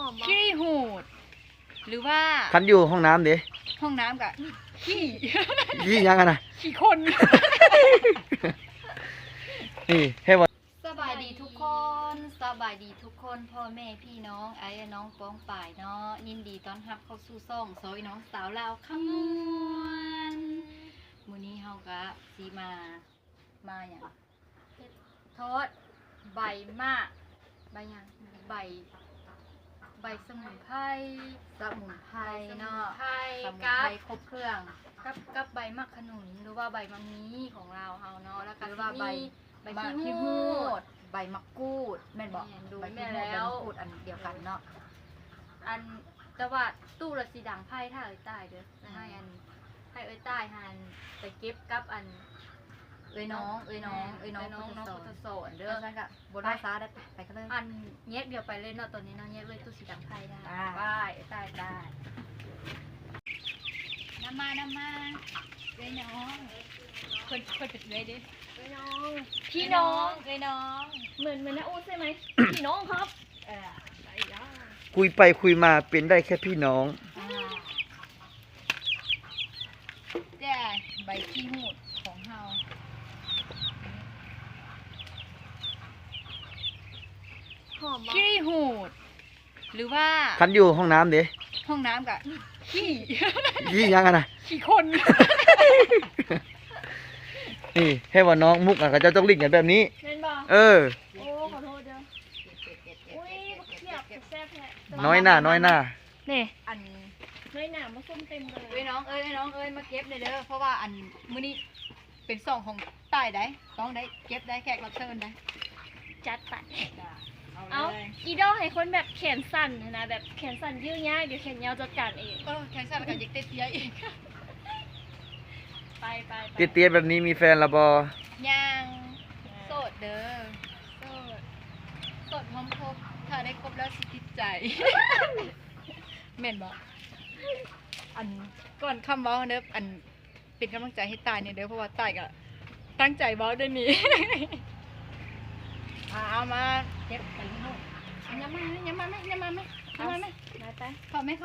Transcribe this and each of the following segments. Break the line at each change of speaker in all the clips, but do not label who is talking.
อม
ขี้หูดหรือว่า
คันอยู่ห้องน้ำเด้
ห้องน้ำกับขี้
ยี่ยังกันนะ
ขี้คน
นี่ให้ว่า
สบายดีทุกคนสบายดีทุกคนพ่อแม่พี่น้องไอ้น้องป้องป่ายเนาะยินดีต้อนรับเข้าสู่ซ่องซอยน้องสาวลาวขมวนมื้อนี้เฮาก็สิมาอย่างทอดใบมากใบหยังใบสมุนไพรเนาะสมุนไพรครบเครื่องกับใบมะขนุนหรือว่าใบมะมีของเราเฮาเนาะแล้วก็ว่าใบขี้หูดใบมะกรูดแม่นบอกดูแม่แล้วใบมะกรูดอันเดียวกันเนาะอันแต่ว่าตู้ละสีดังไพ่ถ้าเอ้ยใต้เด้อให้เอ้ยใต้หันไปเก็บกับอันเอ้ยน้องพุทธโสนเด้อนั่นก็บนภาษาได้ไปกันเลยอันแยกเดียวไปเลยเนาะตอนนี้เนาะแยกเลยตู้สีดังไพ่ได้ได้น้ำมาเอ้ยน้องคนเป็นเอ้ยดิพี่น้อง
เหมือนน้าอูใช่ไหม พี่น้องครับ
คุยไปคุยมาเป็นได้แค่พี่น้อง
แต่ใบขี้หูดของเฮา
หอมบ่
ขี้หูดหรือว่า
คันอยู่ห้องน้ำเด้
ห้องน้ำกับขี้
ยี่ยังกันนะ
ขี้คน
นี่ให้ว่าน้องมุกอ่ะเขาจะต้องลิ้นกันแบบนี้
เล่นบ่
เออ
โอ้ขอโทษเด้ออุ้ยบักเขียบแซ่บแท้
น้อยหน้า
นี่
อัน
น้อยหน้ามาส้มเต็มเลย
เอ้ยน้องเอ้ยมาเก็บเลยเด้อเพราะว่าอันมื้อนี้เป็นซองของใต้ได้ต้องได้เก็บได้แขกรับเชิญได้
จัดไป
เอา
เอา
เลย
อีดอลให้คนแบบแขนสั้นนะแบบแขนสั้นยืดยากเดี๋ยวแขนยาวจัดการเอง
แขกสั่นกับยิกเตี้ยอีก
ไป
เตี้ยๆแบบนี้มีแฟนละบ
ยังโสดเด้อโสดพร้อมคบถ้าได้ครบแล้วสิติดใจ แม่นบอกอันก่อนคำเว้าเด้ออันเป็นกำลังใจให้ตายเนี่ยเด้อเพราะว่าตายก็ตั้งใจเว้าด้วยนี้ เอามาเก็บไปลูกยังมาไหม
ไป
เข้าไหม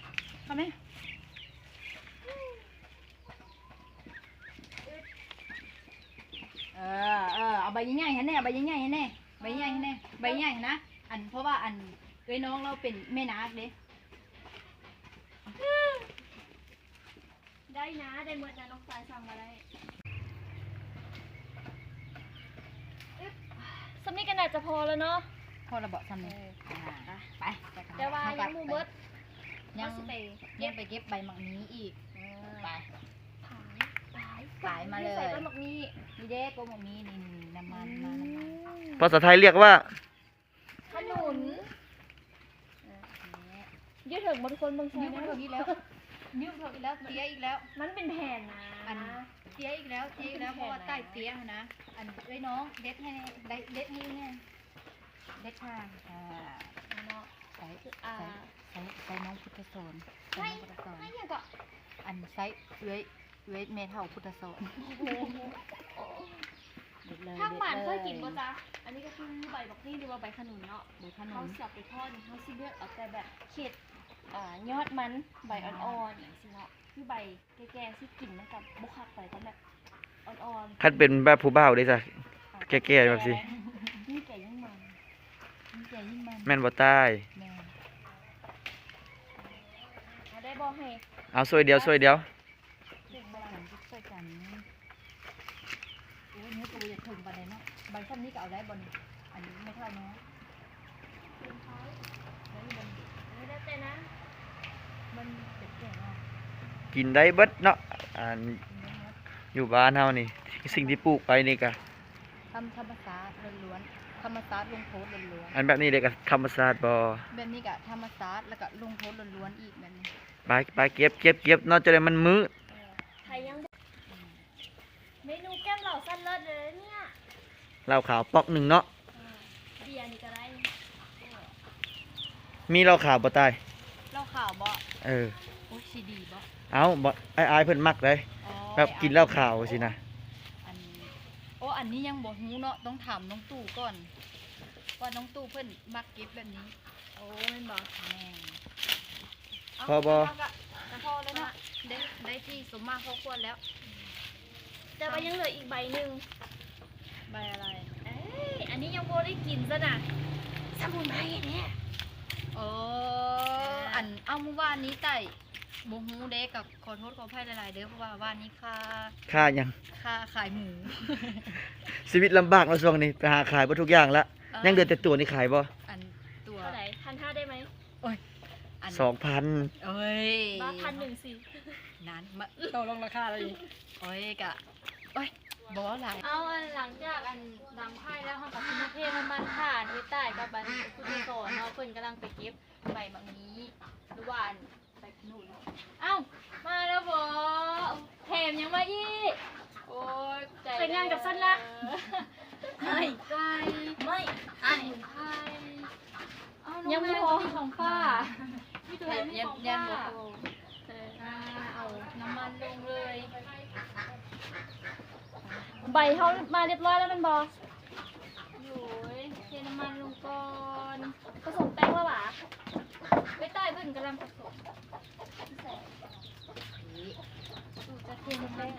เอาใบใหญ่ๆให้แน่ใบใหญ่ๆนะอันเพราะว่าอันเอ้ยน้องเราเป็นแม่นาคเด้
ได้นะได้หมดนะน้องสายสั่งมาได้สำนีกันอาจจะพอแล้วเนาะ
พอระเบาะทำเลยไป
แต่ว่ายังมูเบิร์ด
ยัง
สิไป
ไปเก็บใบหมักนี้อีกไป
ขายมาเลยใส่ต้นหมกนี้
นี่เด้โกหมักนี้นี่น้ำมันมาน้ำมัน
ภาษาไทยเรียกว่า
ขนุนยืดถึงบางคนบางคน
ยืมเถอะอีกแล้วเตี้ยอีกแล้ว
มันเป็นแผ่นนะ
อันเตี้ยอีกแล้วเพราะว่าใต้เตี้ยนะอันเอ้ยน้องเด็ดให้เด็ดนี่เนี่ยเด็ดค่ะ
เนาะ
ใส่น้องพุทธโสน
ไม่ยังก็
อันไซเอ้ยเมทัลพุทธโสน
ทางบ้านเคยกินป่ะจ๊ะอันนี้ก็คือใบบักนี่หรือว่าใบขนุนเนาะ
ใบขนุ
เขา
น
สับไปทอดเขาซิเลือกเอาแต่แบบเข็ดยอดมันใบอ่อนๆอย่างสิเนาะคือใบแก่ๆที่กลิ่นมันกับบุคักไปก็แบบอ่อนๆ
คันเป็นแบบผู้บ่าวได้จ้ะแก่ๆแบบสิ
นี่แก่ยิ่งมัน
แม่นบ่ตาย
เอาได้บอกให้
เอาซวยเดียว
ช่วยกันโอ้ยเนื้อตัวจะถึงปานใดเนาะใบซ้ำนี้ก็เอาได้บนอันนี้ไม่เท่าเนาะ
ไม่ได้เต้นนะ
มันเป็ดแก่เนาะ
กินได้เบิดเนาะอันอยู่บ้านเฮานี่สิ่งที่ปลูกไปนี่ก็
ธรรมศาสตร์ล้วนๆธรรมศาสตร์ลงโทษล้วน
อันแบบนี้เด็กก็ธรรมศาสตร์บ่
ๆแบบนี้ก็ธรรมศาสตร์แล้วก็ลงโทษล้วนๆอีกแบบนี้
ไปเก็บเนาะจะได้มันมืด
ไทยยังเมนูแก้มเหล่าสั้นเลิศเลยเนี่ย
เหล้าขาวปอกหนึ่งเนาะ
เบียร์นี่ก็ได้
มีเหล้าขาวบ่ตาย
เหล้าขาวบ่
เออ
โอ้ยซีดีบ่
เอาบ่ไอ้เพิ่นมักเลย
อ๋อ
แบบกินเหล้าขาวสินะ
อันนี้ยังบ่ฮู้เนาะต้องถามน้องตู่ก่อนว่าน้องตู้เพิ่นมักเก็บแบบนี้
โอ้แม่นบ่
แม่น
พอบ่
จะพอแล้วเนาะได้ที่สมมาพอควรแล้ว
แต่ว่ายังเหลืออีกใบหนึง
ใบอะไร
เอ้ยอันนี้ยังบ่ได้กินซะน่ะสมุนไพรเนี่ย
โอ้อันเอาเมื่อวานนี้ไต่บ่ฮู้เด้กับขอโทษขออภัยหลายๆเด้อเพราะว่าว่านนี้
ค่ายัง
ค่าขายหมู
ชีวิตลำบากเนาะช่วงนี้ไปหาขายบ่ทุกอย่างละยังเดือแต่ตัวนี่ขายบ่
อันตัว
เท่าไหร่1,500ได้ไหม
อัน
2,000
เอ้ย
บ้า1,001สิ
นั้นมาต่อรองราคาเลยโอ้ยกะโอ้ยบ่หลาย
เอาอันหลังจากอันดังไพ่แล้วเฮาก็สิมาเทน้ำมันถ่านไว้ใต้กับอันผู้ที่สอนเนาะเพิ่นกำลังไปเก็บใบบางนี้หรือว่าอันไปขนุนเอ้ามาแล้วบ่แถมยังมาอีกโอ้ยใจไปงานกับสั้นละไม่ไกลไม่อันไทยยังไม่พอของป้าพี่ตัวไม่ของป้าเอาน้ำมันลงเลยใบเขามาเรียบร้อยแล้วมันบออยู่เทน้ำมันลงก่อนผสมแป้งแล้วหรอไปใต้เพิ่นกำลังผสมจะเทน้ำแป้ง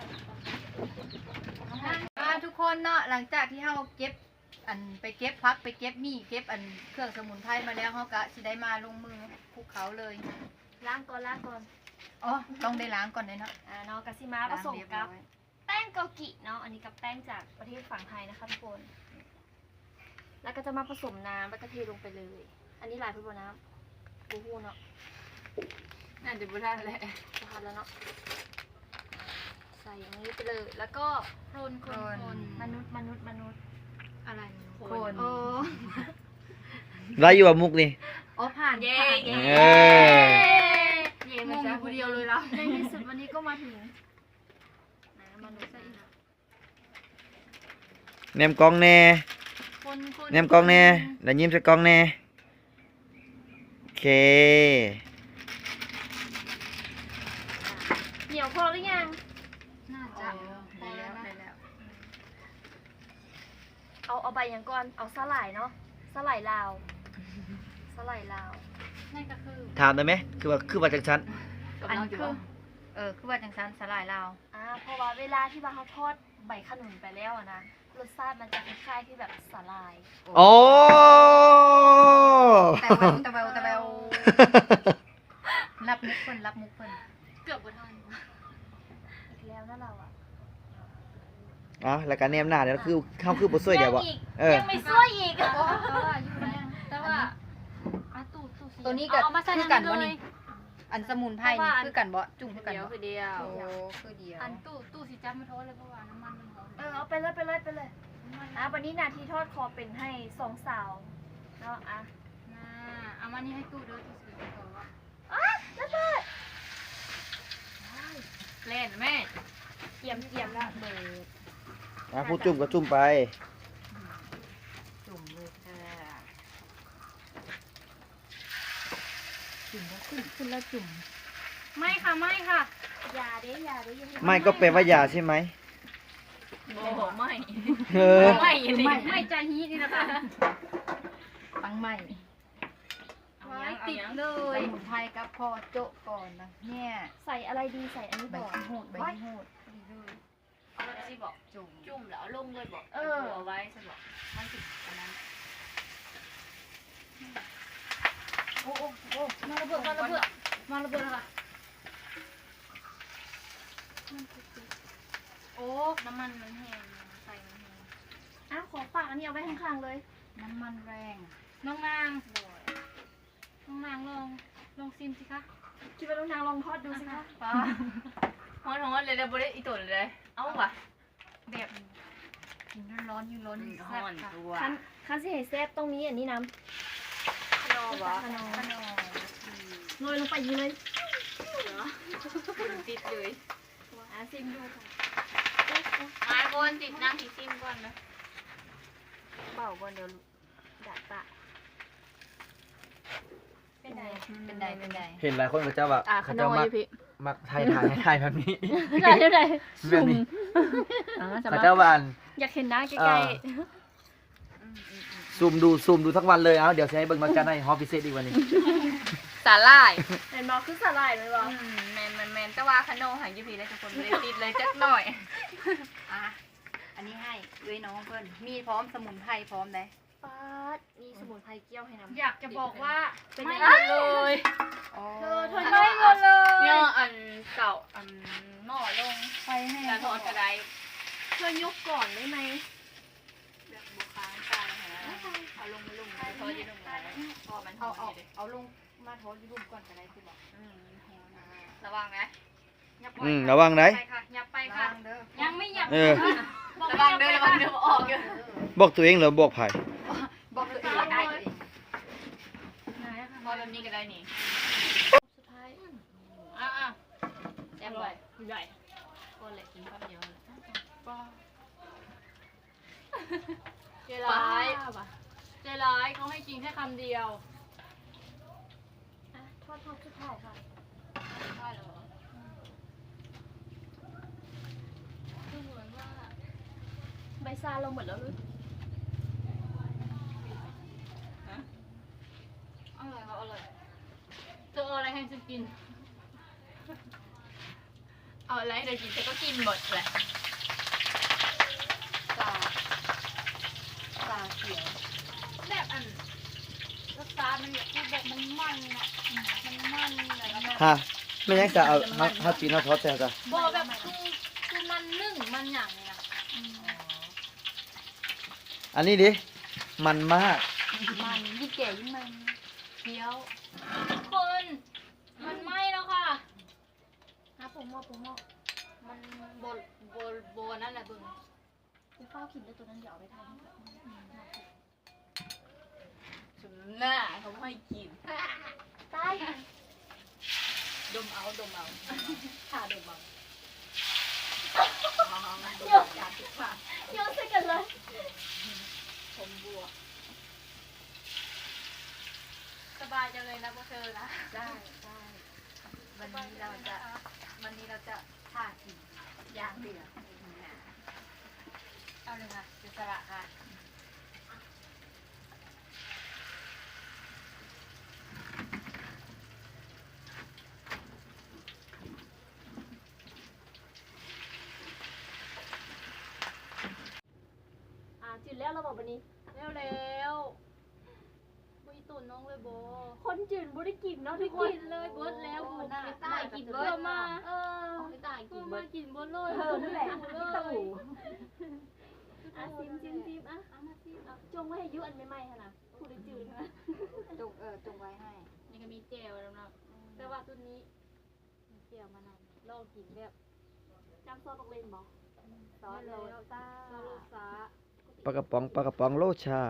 ค่ะ
ทุกคนเนาะหลังจากที่เฮาเก็บอันไปเก็บพักไปเก็บมีเก็บอันเครื่องสมุนไพรมาแล้วเฮาก็สิได้มาลงมือภูเขาเลย
ล้างก่อน
อ๋อต้องได้ล้างก่อนเลยเนาะ
เนาะกะซิมาผสมกับแป้งเกากิเนาะอันนี้กับแป้งจากประเทศฝั่งไทยนะคะทุกคนแล้วก็จะมาผสมน้ำแล้วก็เทลงไปเลย อันนี้หลายพื้นน้ำบูฮูเนาะ
น่าจะบ่ได้แหละ
จะทำแล้วเนาะใส่อย่างนี้ไปเลยแล้วก็คนมนุษย์อะไร
คน
โอ้
ได้อยู่ว่ามุกนี่
อ๋อผ่าน
เย้
เย้
เย้มันจะคนเดียวเลยแล้วในที่สุดวันนี้ก็มาถึงมนุษย์ซะอีก
แนมกล้องแน่
คน
แนมกล้องแน่แล้วยิ้มใส่กล้องแน่โอเค
เหนียวพอหรือยัง
น่าจะพอแล้ว
เอาใบอย่างก่อนเอาสลายเนาะสลายลาว
นั่นก็คือ
ถามได้ไหมคือว่าจังชั้น
อันคือคือว่าจังซันสลายลาว
เพราะว่าเวลาที่ว่าเขาทอดใบขนุนไปแล้วอะนะรสชาติมันจะคล้ายๆที่แบบสลาย
โอ้
แต่เบลรับมุกเพิ่น
เกือบบ่ทันอีกแล้วนะเราอะ
อ๋อแล้วก็แนมหน้าเดี๋ยวคือเข้าคือบ่สวยเดี๋ยวบ่
ยังไม่ช่วยอีก
แต่ว่าอยู่นะ
แต่ว่า
ตัวนี้ก็คือกันบ่นี่อันสมุนไพรนี่คือกันบ่จุ่มคือกันบ่
คือเดียว
โอ้คือเดียว
อันตู้สิจับมาโทษเลยเพราะว่าน้ำมันมันหอม
เอาไปเลยวันนี้นาทีทอดคอเป็นให้สองสาวเนาะ
น่าเอามานี่ให้ตู้เด้อตู้สิไปก่อนว่า
แล้วเบิด
เล่นแม่
เกี่ยมแล้วเบิด
ผู้จุ่มก็จุ่มไป
จุ่มเลยค่ะจุ่มแล้วขึ้นแล้วจุ่ม
ไม่ค่ะ
อย่าเด้อย่า
ไม่ก็แปลว่าอย่าใช่ไหม
โอ้โหไม่
เออ
ไม่ใจฮีนี่นะคะ
ตั้งใหม่
ไว้ติดเล
ส
ย
มุนไพรกับพอโจะก่อนนะเนี่ย
ใส่อะไรดีใส่อันนี้
ใบ
บอก
ที่โหดใบที่โหด
เอาไปสิบอก
จุ่ม
จุ่มแล้วลงเลยบอก
เอา
ไว้สิบอกมันติดอันนั้น
โอ้มาระเบิดแล้วค่ะ
โอ้น้ำมันมันแห้งใส่มันแห้ง
ขอฝากอันนี้เอาไว้ข้างๆเลย
น้ำมันแรง
น้องนางลองซิมสิคะ
คิดว่าลูกนางลองทอดดูสิคะ
ป้าฮ้อนเลยบริอีตัวเลยเอาวะ
แบบกินร้อนอยู่ร้อนแซ่บค่ะ
คันสิให้แซ่บต้องมีอันนี้น้ำขนมโรยลงไปอย่างนี้เลย
ติดเลย
ซิมดูค่ะ
ไม้บนติดนั่งที่ซิมก่อนนะ
เบาก่อนเดี๋ยวดัดปะเป็นไง
เป็นได
เห็นหลายคนก็จะว่าเขาจะมักถ่ายแบบนี้
ได้
แบบนี้เขาจะว่าอัน
อยากเห็นหน้าใกล้
ซูมดูทั้งวันเลยเอาเดี๋ยวจะให้เบิ่งมากันให้ฮอปพิเศษอีกวันนี้
สาหร่าย
เห็นบอกคือสลายไหมบอก
แมนแต่ว่าขนมหางยูพีได้ทุกคนเลยติดเลยจักหน่อย
อ่ะอันนี้ให้เอ้ยน้องเพิ่นมีพร้อมสมุนไพรพร้อมได้
ป๊าดมีสมุนไพรเกี้ยวให้น้ำ
อยากจะบอกว่า
เป็น
ไม่
ยังไง
เลย
เธอไม่หมดเลย
เนี่ยอันเก่าอันหม้อลง
ไปให้
แล้วทอดกระได
เธอยกก่อนได้ไหม
แบบบุค้างตายนะเอาลงมาลงทอดยี่ลงมาพอมันหอ
เอา
มอยู่ดิ
เอาลงมาโทษที่รุมก่อนก็ได้คือบอก
ระวังนะ
ยับ
ระวังไหน
ไปค่ะยับไปค่ะ
เด้อ
ยังไม่ยับ
เออ
ระวังเด้อระวังเด้อออกอยู่
บอกตัวเองเหรอบอกไผ่
บอกตัวเองได้ตัวเอง
พอแบบนี้ก็ได้นี่
สุดท้าย
อ่ะ
แซ่บเลยใหญ่
ก็เลยกินข้าวเดียว
เจร้ายเจร้ายเขาให้กินแค่คำเดียวทอดสุดท้ายค่ะ
ใช่เหรอ
คือเหมือนว่าใบซาเราหมดแล้วหรือ
อร่อยเขาอร่อย
เธอเอาอะไรให้ฉันกิน
เอาอะไรเดี๋ยวกินฉันก็กินหมดแหละ
ตาเขียว
แบบอันรสชาติมันแบบแบบมันมันอะมันมันอะไรแบบ
ฮะไม่ยังจะเอาจีนเอาทอดแต่จ้ะ
โบแบบคือมันนึ่งมันอย่างเนี้ย
อันนี้ดิมันมาก
มันยิ่งแก่ยิ่งมัน
เคี้ยวคนมันไหม้แล้วค่ะนะผมว่ามันโบนั่นแหละเบึงจะเฝ้ากินด้วยตัวนั้นเดี๋ยวเอาไปทาน
ถึงหน้าเขาไม่ให้กิน
ตาย
ดมเอาขาดมเอา
เดี๋ยวเดี๋ยวใส่กันเลย
ผมบัว
สบายจังเลยนะพวกเธอนะ
ได้วันนี้เราจะท่ากินย่างเดือด
เอาเลยค่ะจะสละค่ะจืดแล้วเราบอกวันนี้แล้วบุยตุ่นน้องเลยโบคนจืดบุได้กินเนาะทุกคนกินเลยเบิร์ดแล้วบุญไปตายกินเบิร์ดมาไปตายกินเบิร์ดกินเบิร์ดเลยนั่นแหละตู่ซิมเอามาซิมจงไว้ให้ยุอันใหม่ๆค่ะนะผู้ได้จืดนะ
จงไว้ให้
นี่ก็มีเจลแล้วนะแต่ว่าตัวนี้มีเจลมานำลองกินแบบจำซอสตกเลนบอกซอสโรซ่า
ปลากระป๋องโลชา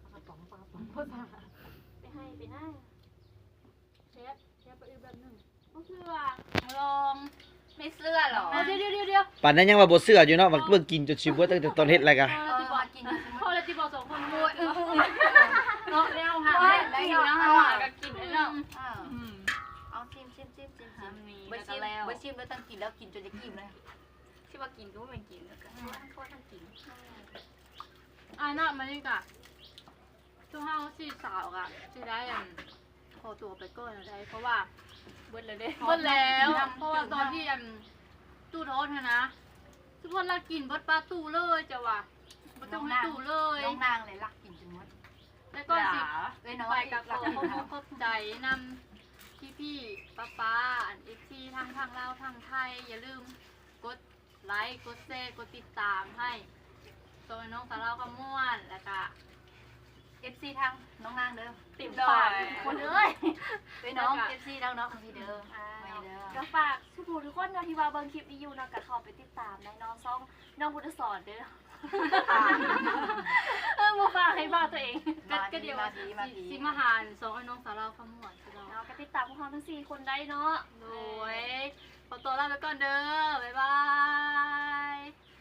ไปให้ไปหน้าเชฟไปอีกแบบหนึ่งก็คือว่าลอง
ไม่เสื้อหรอ
เดี๋ยว
ป่านนั้นยังว่าบ่เสื้ออยู่เนาะมันเบิ่งกินจนชิบเบิดตั้งแต่ตอนเฮ็ดอะไรกัน
พอเลยจีบอกสองคนมวยเนาะแล้วค่ะ
แล้วกินแล้วก็กินแล้ว
เอาชิม
มี
เบอ
แล้ว
ร์ชิมแล้วตั้งกินแล้วกินจนจะกินเลย
ที่ว่ากินก็ไม่เป็นกินแล้วกันโคตรทั้งกิน
น่ะมันนี่กะช่วงห้าสี่สาวกะจะได้ขอตัวไปก่อนได้เพราะว่า
เบิดเลยเด้
เบิดแล้วเพราะว่าตอนที่ตู้ทอดนะทุกคนรักกินเบิดปลาตู้เลยจ้ะว่ะบ่ต้องให้ตู้เลย
น้องนางเลยรักกินจนหมด
แล้วก็สิ
เอ้ยน้อง
ไปกับ
รัก
ขอบใจนำพี่ป้าอันเอฟซีทางลาวทางไทยอย่าลืมกดไลค์กดแชร์กดติดตามให้โซนน้องสาวเราขมวนแล้วก็
FC ทางน้องนางเด้อ
ติดดอยคนเอ้ย
เอ้ยน้อง FC ทางน้องพี่เด้อไม่เด้อ
ก็ฝากทุกคนเนาะที่ว่าเบิ่งคลิปนี้อยู่เนาะก็เข้าไปติดตามในน้องซ่องน้องพุทธสอนเด้อบ่ฝากให้บ้าตัวเอง
ก็เดี๋ยวสิมาหารสองไอ้น้องสาวเราขมวนเรา
เนาะก็ติดตามพวกเราทั้ง4คนได้เนาะ
โดยขอตัวลาไปก่อนเด้อบ๊ายบาย